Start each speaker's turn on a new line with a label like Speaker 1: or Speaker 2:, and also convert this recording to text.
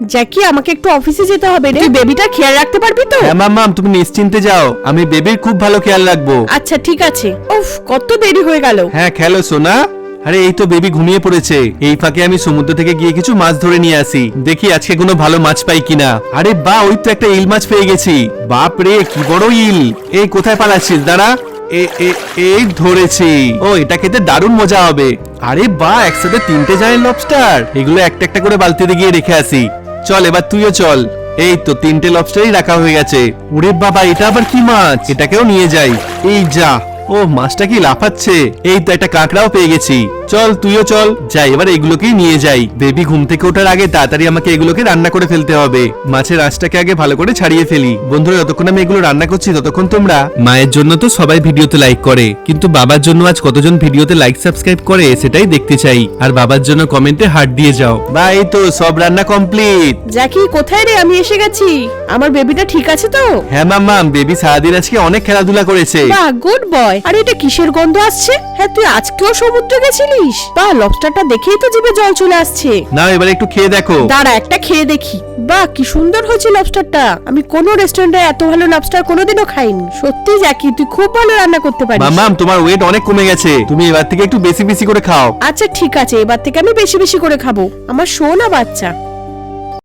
Speaker 1: জ্যাকি আমাকে একটু অফিসে যেতে হবে রে, তুই বেবিটা খেয়াল রাখতে পারবি তো?
Speaker 2: হ্যাঁ মাম্মাম, তুমি নিশ্চিন্তে যাও, আমি বেবির খুব ভালো খেয়াল রাখবো।
Speaker 1: আচ্ছা ঠিক আছে। উফ কত দেরি হয়ে গেল।
Speaker 2: হ্যাঁ খেলো সোনা। আরে এই তো বেবি ঘুমিয়ে পড়েছে, এই ফাঁকে আমি সমুদ্র থেকে গিয়ে কিছু মাছ ধরে নিয়ে আসি, দেখি আজকে কোনো ভালো মাছ পাই কিনা। আরে বা, ওই তো একটা ইল মাছ পেয়ে গেছি। বাপ রে কি বড় ইল! এই কোথায় পালাচ্ছিস, দাঁড়া। এই ধরেছি। ও, এটা খেতে দারুণ মজা হবে। আরে বা, একসাথে 3টে জায়ান্ট লবস্টার, এগুলো একটা একটা করে বালতিতে গিয়ে রেখে আসি। চল এবার তুইও চল। এই তো 3টে লবস্টারই রাখা হয়ে গেছে। ওরে বাবা, এটা আবার কি মাছ? এটাকেও নিয়ে যাই। এই যা, ও মাছটা কি লাফাচ্ছে। এই তো একটা কাঁকড়াও পেয়ে গেছি। চল তুইও চল, যাই এবার এগুলোকেই নিয়ে যাই। বেবি ঘুম থেকে ওঠার আগে তাড়াতাড়ি আমাকে এগুলোকে রান্না করে ফেলতে হবে। মাছের আঁশটাকে আগে ভালো করে ছাড়িয়ে ফেলি। বন্ধুরা, যতক্ষণ আমি এগুলো রান্না করছি ততক্ষণ তোমরা, মায়ের জন্য তো সবাই ভিডিওতে লাইক করে, কিন্তু বাবার জন্য আজ কতজন ভিডিওতে লাইক সাবস্ক্রাইব করে সেটাই দেখতে চাই। আর বাবার জন্য কমেন্টে হার্ট দিয়ে যাও। বা এই তো সব রান্না কমপ্লিট।
Speaker 1: জ্যাকি কোথায় রে? আমি এসে গেছি। আমার বেবিটা ঠিক আছে তো?
Speaker 2: হ্যাঁ মাম্মাম, বেবি সারাদিন আজকে অনেক খেলাধুলা করেছে।
Speaker 1: বাহ, গুড বয়। আরে এটা কিসের গন্ধ আসছে? হ্যাঁ তুই আজকেও সমুদ্রে গেছিলিস? বাহ, লবস্টারটা দেখেই তো জিভে জল চলে আসছে।
Speaker 2: নাও এবার একটু খেয়ে দেখো।
Speaker 1: দাঁড়া একটা খেয়ে দেখি। বাহ, কি সুন্দর হয়েছে লবস্টারটা। আমি কোনো রেস্টুরেন্টে এত ভালো লবস্টার কোনোদিনও খাইনি। সত্যি জ্যাকি, তুই খুব ভালো রান্না করতে পারিস।
Speaker 2: মাম্মাম, তোমার ওয়েট অনেক কমে গেছে, তুমি এবার থেকে একটু বেশি বেশি করে খাও।
Speaker 1: আচ্ছা ঠিক আছে, এবার থেকে আমি বেশি বেশি করে খাবো। আমার সোনা বাচ্চা।